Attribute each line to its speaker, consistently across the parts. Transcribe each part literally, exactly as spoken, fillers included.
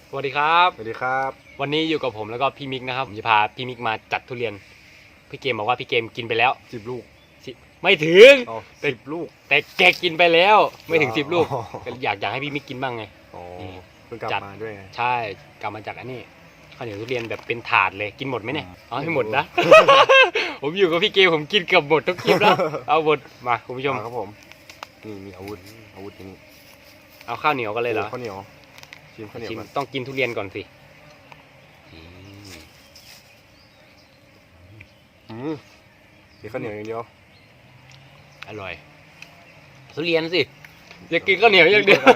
Speaker 1: สวัสดีครับ
Speaker 2: สวัสดีครับ
Speaker 1: วันนี้อยู่กับผมแล้วก็พี่มิกนะครับผมจะพาพี่มิกมาจัดทุเรียนพี่เกมบอกว่าพี่เกมกินไปแล้ว
Speaker 2: สิบลูก
Speaker 1: ไม่ถึง
Speaker 2: สิบลูก
Speaker 1: แต่แกกินไปแล้วไม่ถึงสิบลูก
Speaker 2: อ๋อ
Speaker 1: อยากอยากให้พี่มิกกินบ้างไง
Speaker 2: อ๋อเพิ่งกลับมาด้วยไง
Speaker 1: ใช่กลับมาจากอันนี้ข้าวเหนียวทุเรียนแบบเป็นถาดเลยกินหมดไหมเนี่ยเอาให้หมดนะ ผมอยู่กับพี่เกมผมกินเกือบหมดทุกคลิปแล้วเอาหมดมาคุณผู้ชม
Speaker 2: ครับผมนี่มีอาวุธอาวุธนี้
Speaker 1: เอาข้าวเหนียวกันเลยเหรอ
Speaker 2: ข้าวเหนียวชิมข้าวเหนียว
Speaker 1: ชิม
Speaker 2: กัน
Speaker 1: ต้องกินทุเรียนก่อนสิ
Speaker 2: อืมมีข้าวเหนียวอย่างเดียว
Speaker 1: อร่อยทุเรียนสิอยากกินข้าวเหนียวอย่างเดียว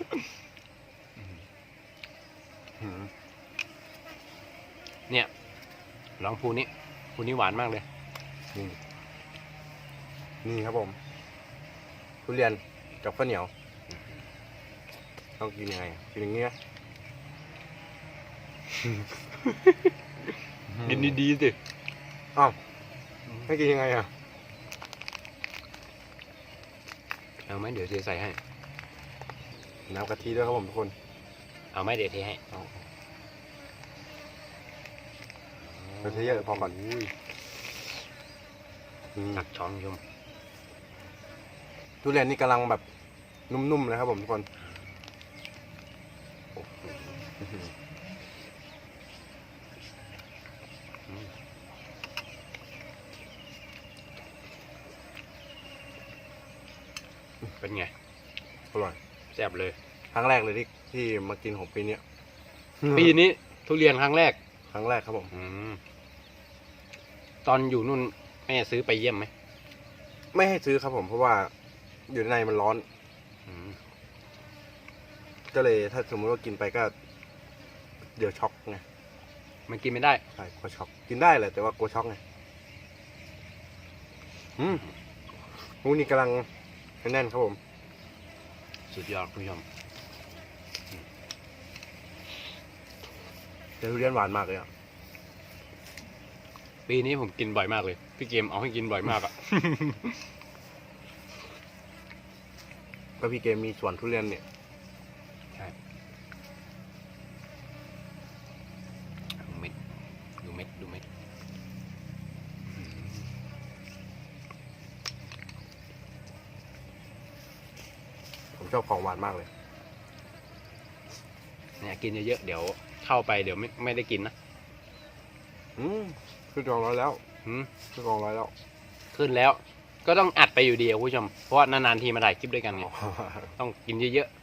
Speaker 1: เนี่ยลองภูนี้ภูนี้หวานมากเลย
Speaker 2: นี่นี่ครับผมทุเรียนกับข้าวเหนียวต้องกินยังไงกินอย่างนี้นะ
Speaker 1: กินดีๆสิ
Speaker 2: อ้าวให้กินยังไงอ่ะ
Speaker 1: เอาไหมเดี๋ยวเทใส่ให้
Speaker 2: น้ำกะทิด้วยครับผมทุกคน
Speaker 1: เอาไหมเดี๋ยวเทให้
Speaker 2: เอาเทเยอะพอก่อน
Speaker 1: ตักช้อนชม
Speaker 2: ทุเรียนนี่กำลังแบบนุ่มๆเลยครับผมทุกคน
Speaker 1: เป็นไง
Speaker 2: อร่อย
Speaker 1: แซ่บเลย
Speaker 2: ครั้งแรกเลยที่ที่มากินของปีนี้
Speaker 1: ปีนี้ทุเรียนครั้งแรก
Speaker 2: ครั้งแรกครับผม
Speaker 1: ตอนอยู่นู่นแม่ซื้อไปเยี่ยมไหม
Speaker 2: ไม่ให้ซื้อครับผมเพราะว่าอยู่ในมันร้อนก็เลยถ้าสมมติว่ากินไปก็เดี๋ยวช็อกไง
Speaker 1: มันกินไม่ได้
Speaker 2: ใช่กลัวช็อกกินได้แหละแต่ว่ากลัวช็อกไงอืมมูนี่กำลังแน่นครับผม
Speaker 1: สุดยอดคุณผู้ชม
Speaker 2: แต่ทุเรียนหวานมากเลยอ่ะ
Speaker 1: ปีนี้ผมกินบ่อยมากเลยพี่เกมเอาให้กินบ่อยมากอ่ะ
Speaker 2: ก็พี่เกมมีสวนทุเรียนเนี่ย
Speaker 1: ใช่ดูเม็ดดูเม็ดดูเม็ด
Speaker 2: ผมชอบของหวานมากเลย
Speaker 1: เนี่ยกินเยอะๆเดี๋ยวเข้าไปเดี๋ยวไม่ไม่ได้กินนะ
Speaker 2: อืมขึ้นกองร้อยแล้ว
Speaker 1: อืม
Speaker 2: ขึ้นกองร้อยแล้ว
Speaker 1: ขึ้นแล้วก็ต้องอัดไปอยู่ดีคุณผู้ชมเพราะว่านานๆทีมาถ่ายคลิปด้วยกันไงต้องกินเยอะ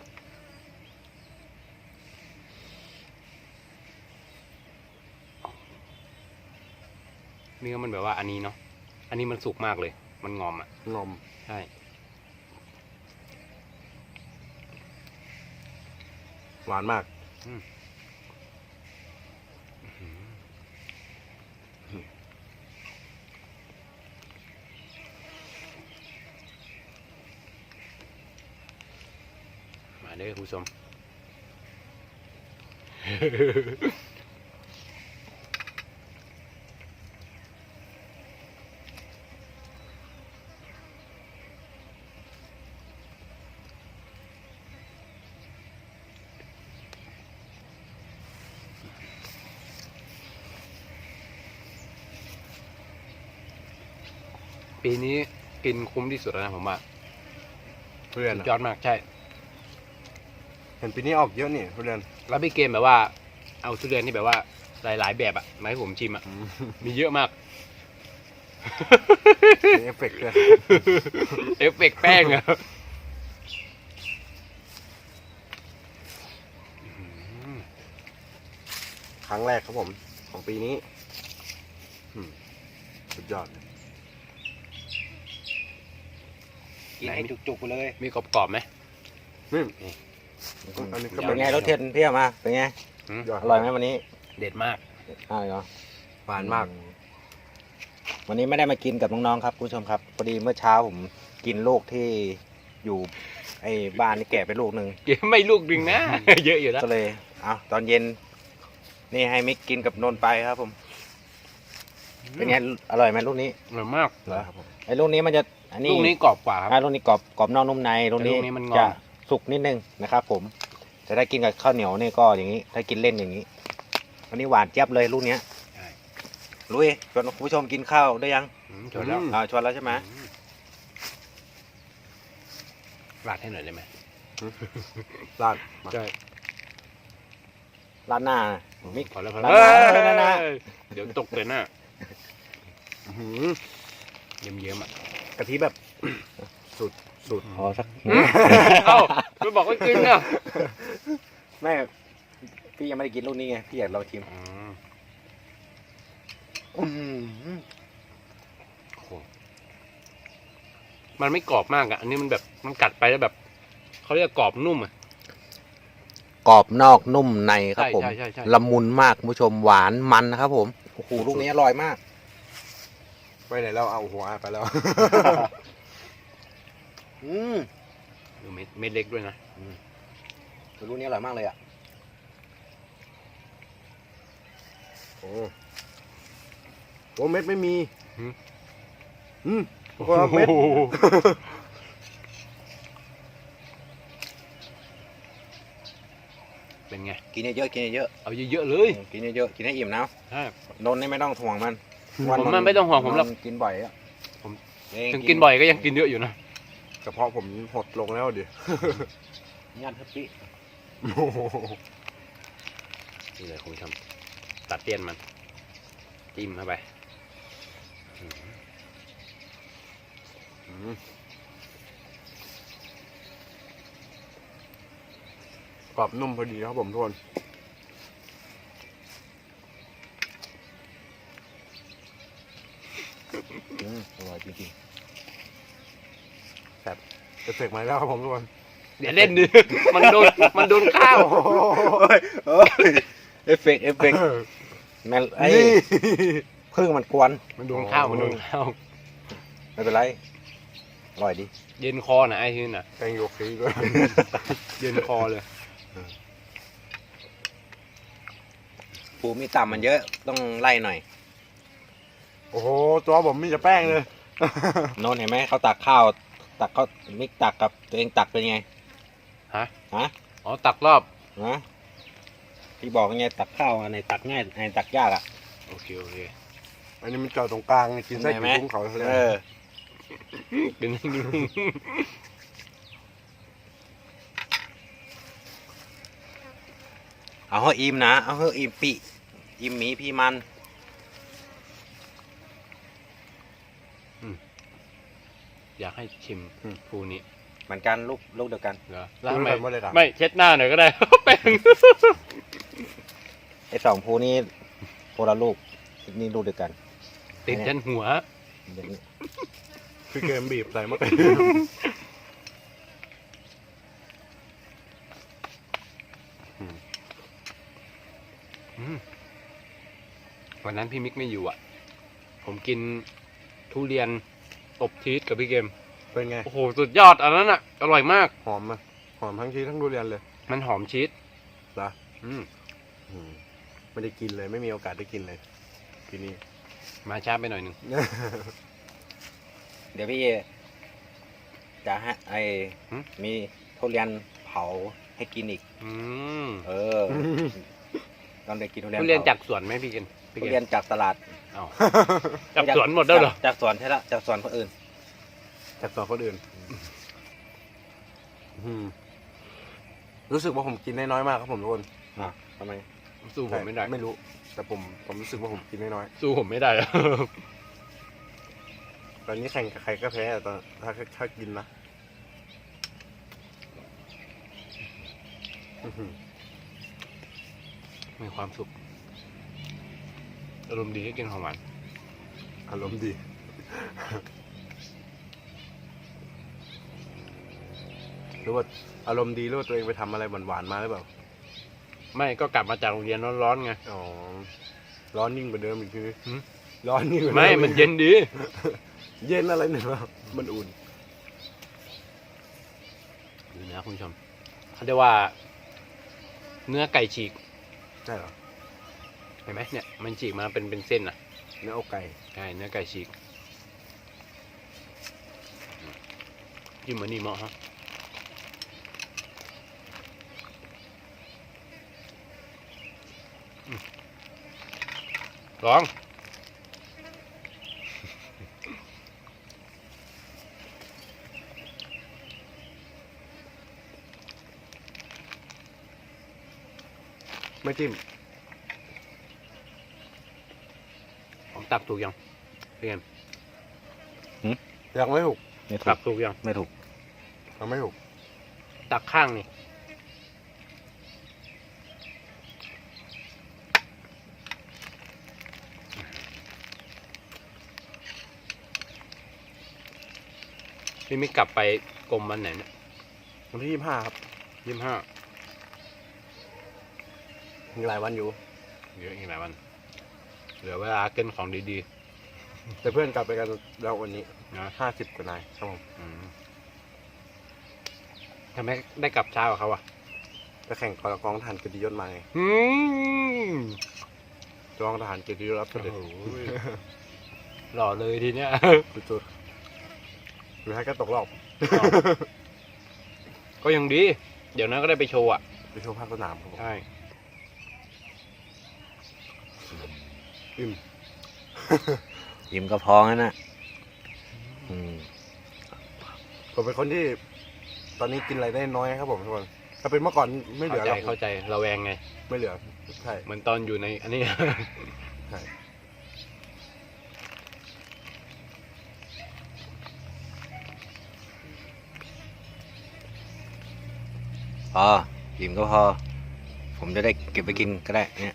Speaker 1: ๆเนื้อมันแบบว่าอันนี้เนาะอันนี้มันสุกมากเลยมันงอมอ่ะ
Speaker 2: งอม
Speaker 1: ใช่
Speaker 2: หวานมาก
Speaker 1: มาเด้อคุณผู้ชมปีนี้กินคุ้มที่สุดแล้วนะผมว่า
Speaker 2: ทุเรียน
Speaker 1: ยอดมากใช่
Speaker 2: เห็นปีนี้ออกเยอะนี่ทุเรียน
Speaker 1: แล้วพี่เกมแบบว่าเอาทุเรียนที่แบบว่าหลายๆแบบอะมาให้ผมชิมอะมีเยอะมาก
Speaker 2: เอฟเฟกต์ด้วย
Speaker 1: เอฟเฟกต์แป้งอะ
Speaker 2: ครั้งแรกครับผมของปีนี้สุดยอด
Speaker 1: กินให้จุกๆเลยมีกรอบๆไหม
Speaker 2: นี่อันนี้ก็
Speaker 3: เป็นไงรสเทียนเพี้ยมาเป็นไงอร่อยไหมวันนี้
Speaker 1: เด็ดมาก
Speaker 3: อร่อยเหรอ
Speaker 2: หวานมาก
Speaker 3: วันนี้ไม่ได้มากินกับน้องๆครับผู้ชมครับพอดีเมื่อเช้าผมกินลูกที่อยู่ไอ้บ้านนี่แก่ไปลูกหนึ่ง
Speaker 1: เก็บไม่ลูกหนึ่งนะเยอะอยู่แล้ว
Speaker 3: ก็เลยเอาตอนเย็นนี่ให้มิกกินกับนนไปครับผมเป็นไงอร่อยไหมลูกนี้
Speaker 1: อร่อยมาก
Speaker 3: เหรอไอ้ลูกนี้มันจะอันนี้
Speaker 1: ลูกนี้กรอบกว่าครับ
Speaker 3: ลูกนี้กรอบกรอบนอกนุ่มในลูกนี้จะสุกนิดนึงนะครับผมแต่ถ้ากินกับข้าวเหนียวนี่ก็อย่างนี้ ถ้ากินเล่นอย่างนี้อันนี้หวานเจี๊ยบเลยลูกเนี้ย
Speaker 1: ใช่
Speaker 3: ลุยชวนคุณผู้ชมกินข้าวได้ยัง
Speaker 1: อืมจบแล้ว
Speaker 3: อ่าชวนแล้วใช่ไหม
Speaker 1: อืมราดให้หน่อยได้ไหม
Speaker 2: ราดมา
Speaker 1: ใช่
Speaker 3: ร้านหน้ามิก
Speaker 1: พอแล้วพอ
Speaker 3: รา
Speaker 1: แล้ว
Speaker 3: ดหน้าราดหน้า
Speaker 1: เอ้ยเดี๋ยวตกเลยนะ
Speaker 2: อื้อหือ
Speaker 1: เยิ้มๆอ่ะ
Speaker 2: กะทิแบบ สุดสุด
Speaker 3: พอสัก
Speaker 1: เอ้าไม่บอกว่ากินอ่ะ
Speaker 3: แม่พี่ยังไม่ได้กินลูกนี้ไงพี่อยากลองชิม
Speaker 1: อืม
Speaker 3: อื้อหือ
Speaker 1: โอ้โหมันไม่กรอบมากอ่ะ อันนี้มันแบบมันกัดไปแล้วแบบเขาเรียกกรอบนุ่มอ่ะ
Speaker 3: กรอบนอกนุ่มในครับ
Speaker 1: ใช่
Speaker 3: ผม
Speaker 1: ใช่ใช่ใช่
Speaker 3: ละมุนมากคุณผู้ชมหวานมันนะครับผมโอ้โหลูกนี้อร่อยมาก
Speaker 2: ไปไหนแล้วเอาหัวไปแล้ว
Speaker 3: อืม
Speaker 1: ดูเม็ดเม็ดเล็กด้วยนะ
Speaker 3: ลูกนี้อร่อยมากเลยอ่ะ
Speaker 2: โอ้โหเม็ดไม่มี
Speaker 1: หืม
Speaker 2: อืมคนละเม็ด
Speaker 1: โอ้โหเป็นไง
Speaker 3: กินเยอะๆกินเยอะ
Speaker 1: เอาเยอะๆเล
Speaker 3: ๆ
Speaker 1: ย
Speaker 3: กินเยอะๆกินให้อิ่มนะ
Speaker 1: ใช่
Speaker 3: นนท์นี่ไม่ต้องห่วงมัน
Speaker 1: ผมมันไม่ต้องห่วงผมหรอก
Speaker 3: นนท์กินบ่อยอ่ะ
Speaker 1: ผม
Speaker 3: เอง
Speaker 1: ถึงกินบ่อยก็ยังกินเยอะอยู่นะ
Speaker 2: กระเพาะผมหดลงแล้วดิ
Speaker 3: ยันทับปี
Speaker 2: โอ้โห
Speaker 1: นี่เลยคุณผู้ชมตัดเตี้ยนมัน จิ้มเข้าไป
Speaker 2: อืมกรอบนุ่มพอดีครับผมทุกคน
Speaker 3: อืมอร่อยจริง
Speaker 2: จะเสกมาแล้วครับผมทุกคน
Speaker 1: เดี๋ยวเล่นดิ มันโดนมันโดนข้าว
Speaker 3: ๆเอฟเฟกต์เอฟเฟกต์แม่ไอ้
Speaker 2: นี่
Speaker 3: พึ่งมันกวน
Speaker 1: มันโดนข้าว
Speaker 2: โอ้
Speaker 1: มันโดนข้าว
Speaker 3: ไม่เป็นไรอร่อยดี
Speaker 1: เย็นคอนะไอ้ที่น่ะ
Speaker 2: แกงโยคีด้วย
Speaker 1: เย็นคอเลย
Speaker 3: ปูมีต่ำมันเยอะต้องไล่หน่อย
Speaker 2: โอ้โหตัวผมมีแต่แป้งเลย
Speaker 3: โนนเห็นไหมเขาตักข้าว ตักเขามิกตักกับตัวเองตักเป็นไง
Speaker 1: ฮะ
Speaker 3: ฮะ
Speaker 1: อ๋อตักรอบ
Speaker 3: ฮะที่บอกไงตักข้าวอันไหนตักง่ายอันไหนตักยากอ่ะ
Speaker 1: โอเคโอเค
Speaker 2: อันนี้มันจอดตรงกลางกินไส้
Speaker 3: เห็
Speaker 2: กิ
Speaker 3: นไหม
Speaker 2: นกุ้งเขาเลย
Speaker 3: เออ
Speaker 1: กินให้ดู
Speaker 3: เอาเฮ้อิ่มนะเอาเฮ้อิ่มปีอิ่มหมีพี่มัน
Speaker 1: อยากให้ชิมภูนี้
Speaker 3: เหมือนกันลูกลูกเดียวกัน
Speaker 1: เหรอ
Speaker 2: แล้
Speaker 1: แล้ว ว
Speaker 2: ทำ
Speaker 1: ทำ
Speaker 2: ไม
Speaker 1: ไม
Speaker 2: ไม่ได้ถาม
Speaker 1: ไม่เช็ดหน้าหน่อยก็ได้ แป้ง
Speaker 3: ไอ้สองภูนี้โพละลูกนี่ลูกเดียวกัน
Speaker 1: ติดฉันหัว
Speaker 3: เดี๋ยวนี้
Speaker 2: คือเกมบีบใส่มากเลย
Speaker 1: อืมวันนั้นพี่มิกไม่อยู่อ่ะ ผมกินทุเรียนอบชีสกับพี่เกม
Speaker 2: เป็นไง
Speaker 1: โอ้โห สุดยอดอันนั้นอ่ะ อร่อยมาก
Speaker 2: หอมไหมหอมทั้งชีสทั้งทุเรียนเลย
Speaker 1: มันหอมชีส
Speaker 2: เหรอ
Speaker 1: อืม
Speaker 2: อืมไม่ได้กินเลยไม่มีโอกาสได้กินเลยทีนี้
Speaker 1: มาช้าไปหน่อยหนึ่ง
Speaker 3: เดี๋ยวพี่จะให้ไอ้มีทุเรียนเผาให้กินอีก
Speaker 1: อืม
Speaker 3: เออตอนเด็กกินทุเรียน
Speaker 1: ทุเรียน
Speaker 3: ผ
Speaker 1: จากสวนไหมพี่เกมพี่
Speaker 3: ทุ
Speaker 1: เก
Speaker 3: เรียน
Speaker 1: ม
Speaker 3: จากตลาด
Speaker 1: เอ้าจากสวนหมดแล้วเหรอ
Speaker 3: จากจากสวนใช่ละจากสวนคนอื่น
Speaker 2: จากตัวคนอื่นอืมรู้สึกว่าผมกินได้น้อยมากครับผมทุกคน
Speaker 3: อ่ะทำไม
Speaker 1: สู้ผมไม่ได้
Speaker 2: ไม่รู้ แต่ผมผมรู้สึกว่าผมกินได้น้อย
Speaker 1: สู้ผมไม่ได้อะ
Speaker 2: ตอนนี้แข่งกับใครก็แพ้อะตอนถ้าถ้ากินนะอื้อหือ
Speaker 1: มีความสุข อารมณ์ดีให้กินของหวาน
Speaker 2: อารมณ์ดี หรือว่าอารมณ์ดีหรือว่าตัวเองไปทำอะไรหวานๆมาหรือเปล่า
Speaker 1: ไม่ก็กลับมาจากโรงเรียนร้อนๆไง
Speaker 2: อ๋อ ร้อนยิ่งกว่าเดิมอีกที
Speaker 1: หืม
Speaker 2: ร้อนยิ่งกว่าเดิ
Speaker 1: ไม่ มันเย็นดี
Speaker 2: เย็นอะไรเนี่ยครับมันอุ่น
Speaker 1: ดูนะคุณผู้ชมเขาเรียกว่า เนื้อไก่ฉีก
Speaker 2: ใช่เหรอ
Speaker 1: เห็นไหมเนี่ย มันฉีกมาเป็นเป็นเส้นอ่ะ
Speaker 2: เนื้ออกไก่
Speaker 1: ใช่ เนื้อไก่ฉีกจิ้มเหมือนนี่เหมาะฮะลอง
Speaker 2: ไม่จิ้ม
Speaker 1: ผมตักถูกยังเรียน
Speaker 2: ยังไม่ถูก
Speaker 3: ไม่ถู
Speaker 1: ตั
Speaker 3: ก
Speaker 1: กถูกยัง
Speaker 3: ไม่ถูก
Speaker 2: ยังไม่ถูก
Speaker 1: ตักข้างนี่พี่ไม่กลับไปกรมวันไหนเนี่ย
Speaker 2: วันที่ยี่สิบห้าครับ
Speaker 1: ยี่สิบห้า
Speaker 2: มีหลายวันอยู่
Speaker 1: เยอะอีกหลายวัน เหลือเวลาเกินของดี
Speaker 2: แต่เพื่อนกลับไปกันแล้ววันนี้
Speaker 1: ๆนะ
Speaker 2: ห้าสิบกว่านายครับผม
Speaker 1: อืมทำไมได้กลับเช้ากับเขาอ่ะ
Speaker 2: ไปแข่งกองกองทหารเกียรติยศมาไง
Speaker 1: อืม
Speaker 2: กองทหารเกียรติยศรับเสด็จ
Speaker 1: โอ้โหหล่อเลยทีเนี้ย
Speaker 2: สุดๆสุดท้ายก็ตกรอบ
Speaker 1: ก็ยังดี เดี๋ยวนั้นก็ได้ไปโชว์อ่ะ
Speaker 2: ไปโชว์ภาคสนามครับผม
Speaker 1: ใช่
Speaker 2: อิ่ม
Speaker 3: ยิ้มก็พองั้นนะอืม
Speaker 2: ผมเป็นคนที่ ตอนนี้กินอะไรได้น้อยครับผมทุกคน ถ้าเป็นเมื่อก่อนไม่เหลื
Speaker 1: เข้า
Speaker 2: อ
Speaker 1: ใจ
Speaker 2: หรอก
Speaker 1: เข้าใจระแวงไง
Speaker 2: ไม่เหลือ ใช่
Speaker 1: เหมือนตอนอยู่ในอันนี้
Speaker 2: ใช่
Speaker 3: พอยิ้มก็พอ ผมจะได้เก็บไปกินก็ได้เนี่ย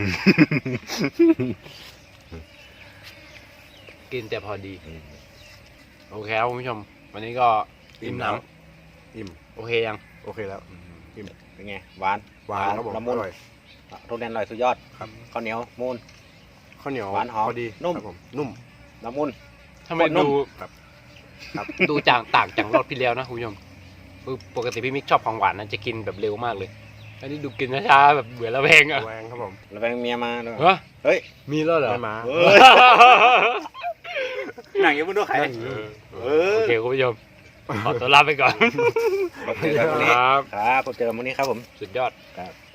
Speaker 1: กินแต่พอดี โอเคครับคุณผู้ชม วันนี้ก็อิ่มหน
Speaker 2: อิ่ม
Speaker 1: ำโอเคยัง
Speaker 2: โอเคแล้ว
Speaker 3: เป็นไงหวาน
Speaker 2: หวานครับผม
Speaker 3: ละมุน
Speaker 2: อร่อย
Speaker 3: ทุเรียนอร่อยสุดยอด
Speaker 2: ครับ
Speaker 3: ข้าวเหนียวมูน
Speaker 2: ข้าวเหนียว
Speaker 3: หวานหอม
Speaker 2: พอดี
Speaker 3: นุ่ม
Speaker 2: ครับผมนุ่ม
Speaker 3: ละมุน
Speaker 1: ทำไม
Speaker 3: คนนุ่
Speaker 1: ดู
Speaker 3: ม
Speaker 2: ครับ
Speaker 1: ดูจางต่างจากรอบที่แล้วนะคุณผู้ชมคือปกติพี่มิกชอบของหวานนะจะกินแบบเร็วมากเลย อันนี้ดูกินช้าๆแบบเบื่อระแวงอ่ะ
Speaker 2: แวงครับผม
Speaker 3: ระแวงเมียมาด้วย
Speaker 1: เฮ้ย
Speaker 3: เฮ้ย
Speaker 1: มีแล้วเหรอ
Speaker 2: ไม่มา
Speaker 3: เฮ้ย หนังยังไม่ดูใคร
Speaker 1: เออ
Speaker 3: เออ
Speaker 1: โอเคคุณผู้ชม ขอตัวลาไปก่อน
Speaker 3: พบเจอกันวันนี้
Speaker 1: ครับ
Speaker 3: ครับพบเจอกันวันนี้ครับผม
Speaker 1: สุดยอด
Speaker 3: ครับ